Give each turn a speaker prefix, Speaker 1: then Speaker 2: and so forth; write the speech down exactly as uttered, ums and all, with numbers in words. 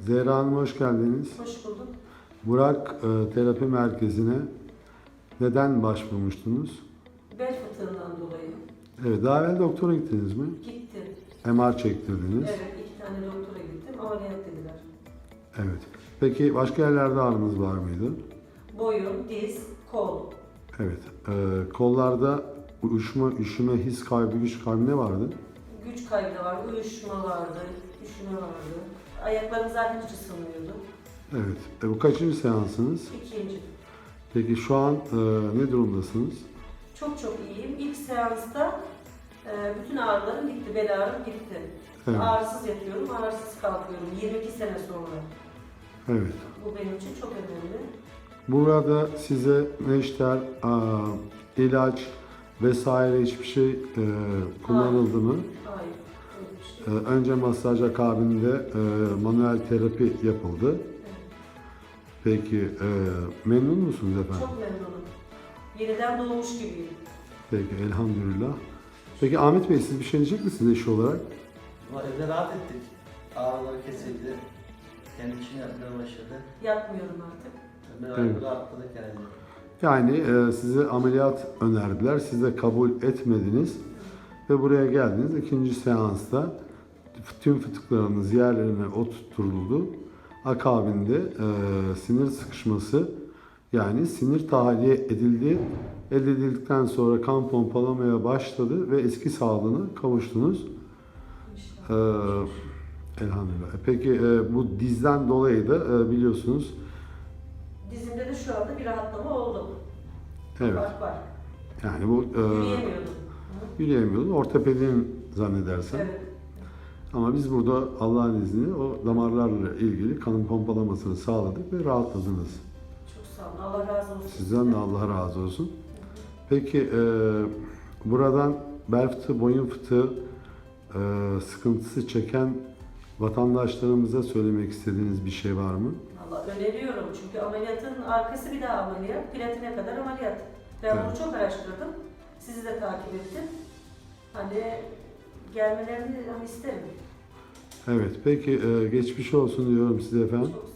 Speaker 1: Zehra Hanım hoş geldiniz.
Speaker 2: Hoş bulduk.
Speaker 1: Burak e, Terapi Merkezi'ne neden başvurmuştunuz?
Speaker 2: Bel fıtığından dolayı
Speaker 1: Evet, daha evvel doktora gittiniz mi?
Speaker 2: gittim.
Speaker 1: M R çektirdiniz.
Speaker 2: Evet, iki tane doktora gittim. Ameliyat dediler.
Speaker 1: Evet. Peki başka yerlerde ağrınız var mıydı?
Speaker 2: Boyun, diz, kol.
Speaker 1: Evet. E, kollarda uyuşma, üşüme, his kaybı, güç kaybı ne vardı?
Speaker 2: Güç kaybı da vardı, uyuşma vardı, üşüme vardı. Ayaklarım zaten hiç ısınmıyordu.
Speaker 1: Evet. E, bu kaçıncı seansınız?
Speaker 2: İkinci.
Speaker 1: Peki şu an e, ne durumdasınız?
Speaker 2: Çok çok iyiyim. İlk seansta e, bütün ağrılarım gitti, bel ağrım gitti.
Speaker 1: Evet.
Speaker 2: Ağrısız yatıyorum, ağrısız kalkıyorum. yirmi iki sene sonra.
Speaker 1: Evet.
Speaker 2: Bu benim için çok önemli.
Speaker 1: Burada size neşter, aa, ilaç vesaire hiçbir şey e, kullanıldı mı?
Speaker 2: Hayır, öyle bir
Speaker 1: E,
Speaker 2: şey.
Speaker 1: önce masaj akabinde e, manuel terapi yapıldı.
Speaker 2: Evet.
Speaker 1: Peki e, memnun musunuz efendim?
Speaker 2: Çok memnunum. Yeniden doğmuş gibiyim.
Speaker 1: Peki elhamdülillah. Peki Ahmet Bey siz bir şey diyecek misiniz eşi olarak?
Speaker 3: Ama evde rahat ettik. Ağrıları kesildi. Kendi için yapmaya başladı.
Speaker 2: Yapmıyorum artık.
Speaker 3: Ben
Speaker 1: Evet.
Speaker 3: rahatladık yani.
Speaker 1: Yani e, size ameliyat önerdiler, siz de kabul etmediniz ve buraya geldiniz. İkinci seansta tüm fıtıklarınız yerlerine oturtuldu. Akabinde e, sinir sıkışması yani sinir tahliye edildi. Elde edildikten sonra kan pompalamaya başladı ve eski sağlığına kavuştunuz. E,
Speaker 2: İnşallah.
Speaker 1: elhamdülillah. E, Peki e, bu dizden dolayı da e, biliyorsunuz.
Speaker 2: Dizimde de şu anda bir rahatlama oldu.
Speaker 1: Evet.
Speaker 2: Var var.
Speaker 1: Yani bu e,
Speaker 2: Yürüyemiyordum.
Speaker 1: yürüyemiyordun. Ortopedin zannedersen.
Speaker 2: Evet.
Speaker 1: Ama biz burada Allah'ın izniyle o damarlarla ilgili kanın pompalamasını sağladık ve rahatladınız.
Speaker 2: Çok sağ olun. Allah razı olsun.
Speaker 1: Sizden de Allah razı olsun. Peki e, buradan bel fıtığı, boyun fıtığı e, sıkıntısı çeken vatandaşlarımıza söylemek istediğiniz bir şey var mı?
Speaker 2: Valla öneriyorum çünkü ameliyatın arkası bir daha ameliyat. Platine kadar ameliyat. Ben
Speaker 1: Evet.
Speaker 2: bunu çok araştırdım. Sizi de takip ettim. Hani gelmelerini hani isterim.
Speaker 1: Evet, peki e, geçmiş olsun diyorum size efendim.
Speaker 2: Çok